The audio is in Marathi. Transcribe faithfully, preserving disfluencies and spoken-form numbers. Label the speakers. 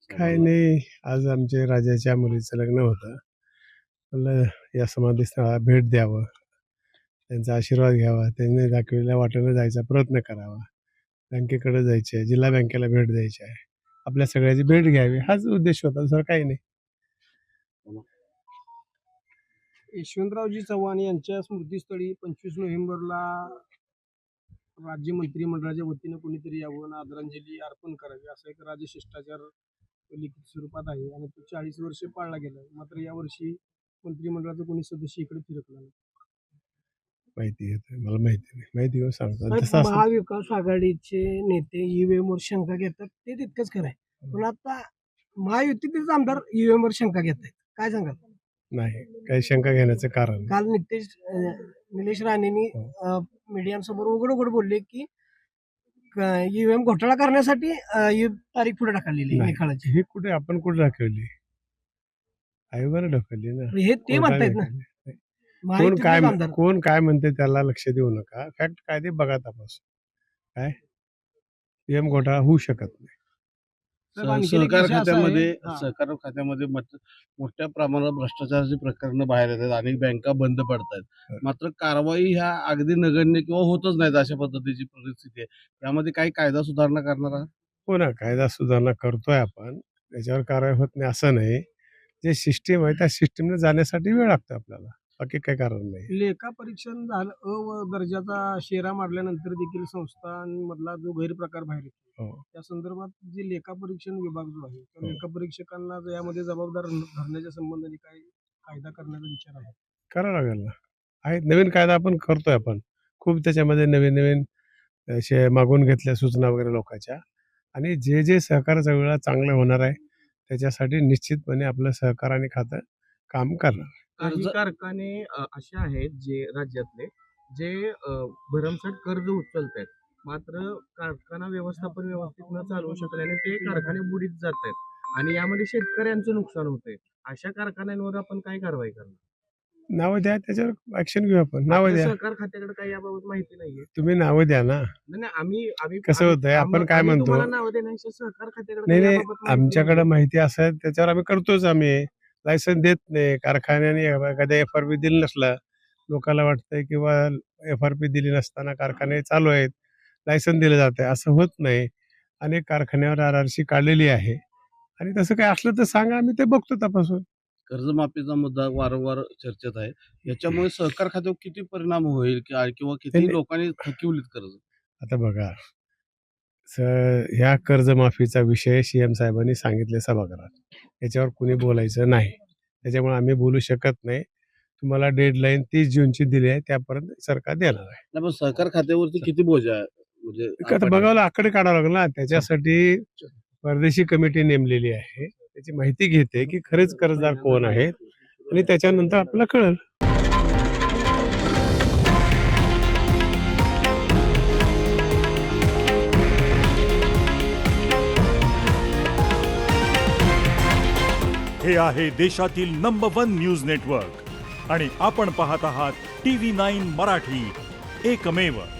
Speaker 1: काही नाही, आज आमच्या राजाच्या मुलीचं लग्न होतं. म्हणलं या समाधीस्थळाला भेट द्यावं, त्यांचा आशीर्वाद घ्यावा, त्यांनी दाखवलेल्या वाटेनं जायचा प्रयत्न करावा. बँकेकडे जायचे आहे, जिल्हा बँकेला भेट द्यायची आहे. आपल्या सगळ्याची भेट घ्यावी हाच उद्देश होता, दुसरं काही नाही.
Speaker 2: यशवंतरावजी चव्हाण यांच्या स्मृतीस्थळी पंचवीस नोव्हेंबरला राज्य मंत्रिमंडळाच्या वतीनं कोणीतरी यावं आणि आदरांजली अर्पण करावी असा एक राजशिष्टाचार लिखित स्वरूपात आहे आणि तो चाळीस वर्ष पाळला गेला. मात्र यावर्षी मंत्रिमंडळाचा कोणी सदस्य इकडे फिरकला नाही.
Speaker 1: माहिती घेतोय, मला माहिती नाही, माहिती घेऊन सांगतो.
Speaker 3: साहेब,
Speaker 1: तसं असं
Speaker 3: महाविकास आघाडीचे नेते ईव्हीएम वर शंका घेतात ते तितकंच खरं आहे, पण आता महायुतीचेच आमदार ईव्हीएम वर शंका घेत आहेत, काय सांगाल?
Speaker 1: नाही, काही शंका घेण्याचं कारण
Speaker 3: काल नितेश अं, निलेश राणेंनी मीडियासमोर उघड उघड बोलले की ईव्हीएम घोटाळा करण्यासाठी अं, ही तारीख पुढे टाकलेली आहे
Speaker 1: नाही.
Speaker 3: निकालाची.
Speaker 1: हे कुठे आपण कुठे दाखवली, आयोगाने ढकलली ना.
Speaker 3: हे ते म्हणतायत ना,
Speaker 1: कोण काय
Speaker 3: महायुतीचेच आमदार.
Speaker 1: कोण काय म्हणते त्याला लक्ष देऊ नका. फॅक्ट काय ते बघा तपास. काय पीएम घोटाळा होऊ शकत नाही.
Speaker 2: साहेब, आणखी एक
Speaker 4: सहकार
Speaker 2: विषय असा आहे-
Speaker 4: खात्यामध्ये
Speaker 2: हा.
Speaker 4: सहकार खात्यामध्ये मत- मोठ्या प्रमाणात भ्रष्टाचाराची प्रकरणं बाहेर येतात, अनेक बँका बंद पडतात. मात्र कारवाई ह्या अगदी नगण्य किंवा होतच नाहीत अशा पद्धतीची परिस्थिती आहे. त्यामध्ये काही कायदा सुधारणा करणार आहात?
Speaker 1: हो ना, कायदा सुधारणा करतोय आपण, त्याच्यावर कारवाई होत नाही असं नाही. जे सिस्टीम आहे त्या सिस्टीमने जाण्यासाठी वेळ लागतो आपल्याला, बाकी काही कारण नाही.
Speaker 2: लेखा परीक्षण झालं अ व दर्जाचा शेरा मारल्यानंतर देखील संस्थांमधला जो गैरप्रकार बाहेर येतो
Speaker 1: हो.
Speaker 2: त्या संदर्भात जे लेखा परीक्षण विभाग जो आहे त्या
Speaker 1: हो.
Speaker 2: लेखा परीक्षकांना यामध्ये जबाबदार धरण्याच्या संबंधाने काही कायदा करण्याचा विचार आहे.
Speaker 1: करावं लागेल ना. आहे नवीन कायदा आपण करतोय आपण. खूप त्याच्यामध्ये नवीन नवीन असे मागून घेतल्या सूचना वगैरे लोकांच्या, आणि जे जे सहकाराच्या वेळा चांगलं होणार आहे त्याच्यासाठी निश्चितपणे आपलं सहकार आणि खातं काम करणार.
Speaker 5: काही
Speaker 4: कर्ज-
Speaker 5: कारखाने अ, असे आहेत जे राज्यातले जे अ, भरमसाठ कर्ज उचलत आहेत, मात्र कारखाना व्यवस्थापन व्यवस्थित न चालवू शकल्याने ते कारखाने बुडीत जात आहेत आणि यामध्ये शेतकऱ्यांचं नुकसान होतंय. अशा कारखान्यांवर आपण काय कारवाई करणार?
Speaker 1: नावं द्या, त्याच्यावर ऍक्शन घेऊ आपण. नावं
Speaker 5: आपल्या
Speaker 1: द्या,
Speaker 5: सहकार खात्याकडे काही याबाबत माहिती नाहीये.
Speaker 1: तुम्ही नावं द्या ना.
Speaker 5: नाही नाही, आम्ही आम्ही
Speaker 1: कसं
Speaker 5: आम्ही-
Speaker 1: होतंय, आपण
Speaker 5: आम्ही-
Speaker 1: काय
Speaker 5: आम्ही
Speaker 1: म्हणतो?
Speaker 5: तुम्हाला नावं देण्यापेक्षा सहकार खात्याकडे
Speaker 1: नाही
Speaker 5: काही
Speaker 1: नाही,
Speaker 5: याबाबत माहिती
Speaker 1: आमच्याकडे
Speaker 5: नाहीये.
Speaker 1: माहिती असं त्याच्यावर आम्ही करतोच. आम्ही लायसन देत नाही कारखान्याने. एखाद्या एफ आर पी दिली नसला, लोकांना वाटतंय किंवा एफ आर पी दिली नसताना कारखाने चालू आहेत, लायसन दिलं जातंय, असं होत नाही. अनेक कारखान्यावर आर आर सी काढलेली आहे, आणि तसं काय असलं तर सांगा, आम्ही ते बघतो तपासून.
Speaker 4: कर्जमाफीचा मुद्दा वारंवार चर्चेत आहे. याच्यामुळे सहकार खात्यावर किती परिणाम होईल कि- किंवा किती
Speaker 1: नाही.
Speaker 4: लोकांनी थकिवलीत कर्ज?
Speaker 1: आता बघा, स ह्या कर्जमाफीचा विषय सी एम साहेबांनी सांगितले सभागृहात, याच्यावर कुणी बोलायचं नाही. त्याच्यामुळे आम्ही बोलू शकत नाही. तुम्हाला डेडलाईन तीस जूनची दिली आहे, त्यापर्यंत सरकार देणार आहे.
Speaker 4: नाही, पण सहकार खात्यावरती किती बोजा आहे म्हणजे
Speaker 1: आता
Speaker 4: आपण-
Speaker 1: बघावं आकडे काढावं लागेल ना. त्याच्यासाठी परदेशी कमिटी नेमलेली आहे, त्याची माहिती घेते की खरेच कर्जदार कोण आहेत, आणि त्याच्यानंतर आपल्याला कळेल.
Speaker 6: हे आहे देशातील नंबर वन न्यूज नेटवर्क आणि आपण पाहत आहात टी व्ही नाईन मराठी, एकमेव.